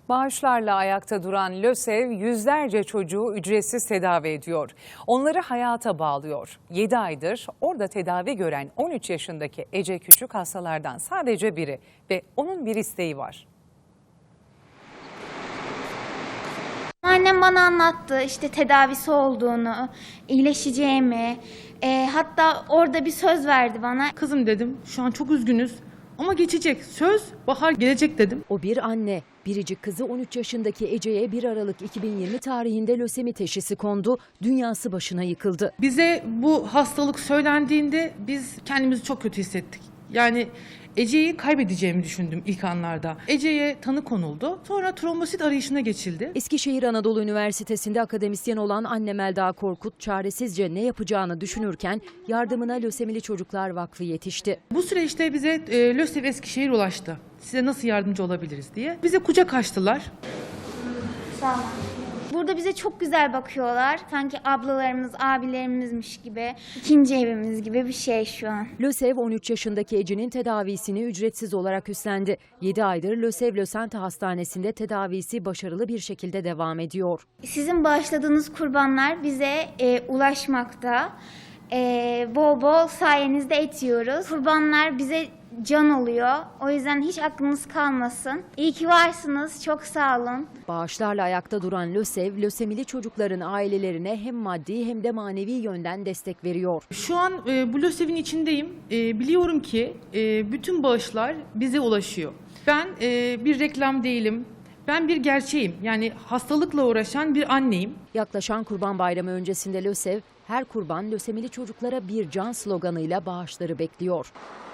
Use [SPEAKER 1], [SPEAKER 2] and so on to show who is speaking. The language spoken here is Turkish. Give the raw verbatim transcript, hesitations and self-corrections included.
[SPEAKER 1] Bağışlarla ayakta duran LÖSEV yüzlerce çocuğu ücretsiz tedavi ediyor. Onları hayata bağlıyor. yedi aydır orada tedavi gören on üç yaşındaki Ece Küçük hastalardan sadece biri ve onun bir isteği var.
[SPEAKER 2] Annem bana anlattı işte tedavisi olduğunu, iyileşeceğimi. E, hatta orada bir söz verdi bana.
[SPEAKER 3] Kızım dedim, şu an çok üzgünüz ama geçecek. Söz, bahar gelecek dedim.
[SPEAKER 4] O bir anne. Biricik kızı on üç yaşındaki Ece'ye bir Aralık iki bin yirmi tarihinde lösemi teşhisi kondu. Dünyası başına yıkıldı.
[SPEAKER 3] Bize bu hastalık söylendiğinde biz kendimizi çok kötü hissettik. Yani Ece'yi kaybedeceğimi düşündüm ilk anlarda. Ece'ye tanı konuldu. Sonra trombosit arayışına geçildi.
[SPEAKER 4] Eskişehir Anadolu Üniversitesi'nde akademisyen olan anne Melda Korkut çaresizce ne yapacağını düşünürken yardımına Lösemili Çocuklar Vakfı yetişti.
[SPEAKER 3] Bu süreçte bize e, LÖSEV Eskişehir ulaştı. Size nasıl yardımcı olabiliriz diye. Bize kucak açtılar.
[SPEAKER 2] Sağ olun. Burada bize çok güzel bakıyorlar. Sanki ablalarımız, abilerimizmiş gibi. İkinci evimiz gibi bir şey şu an.
[SPEAKER 4] LÖSEV on üç yaşındaki Ece'nin tedavisini ücretsiz olarak üstlendi. yedi aydır LÖSEV Lösente Hastanesi'nde tedavisi başarılı bir şekilde devam ediyor.
[SPEAKER 2] Sizin bağışladığınız kurbanlar bize e, ulaşmakta. E, bol bol sayenizde et yiyoruz. Kurbanlar bize can oluyor. O yüzden hiç aklınız kalmasın. İyi ki varsınız. Çok sağ olun.
[SPEAKER 4] Bağışlarla ayakta duran LÖSEV, lösemili çocukların ailelerine hem maddi hem de manevi yönden destek veriyor.
[SPEAKER 3] Şu an e, bu LÖSEV'in içindeyim. E, biliyorum ki e, bütün bağışlar bize ulaşıyor. Ben e, bir reklam değilim. Ben bir gerçeğim. Yani hastalıkla uğraşan bir anneyim.
[SPEAKER 4] Yaklaşan Kurban Bayramı öncesinde LÖSEV, her kurban lösemili çocuklara bir can sloganıyla bağışları bekliyor.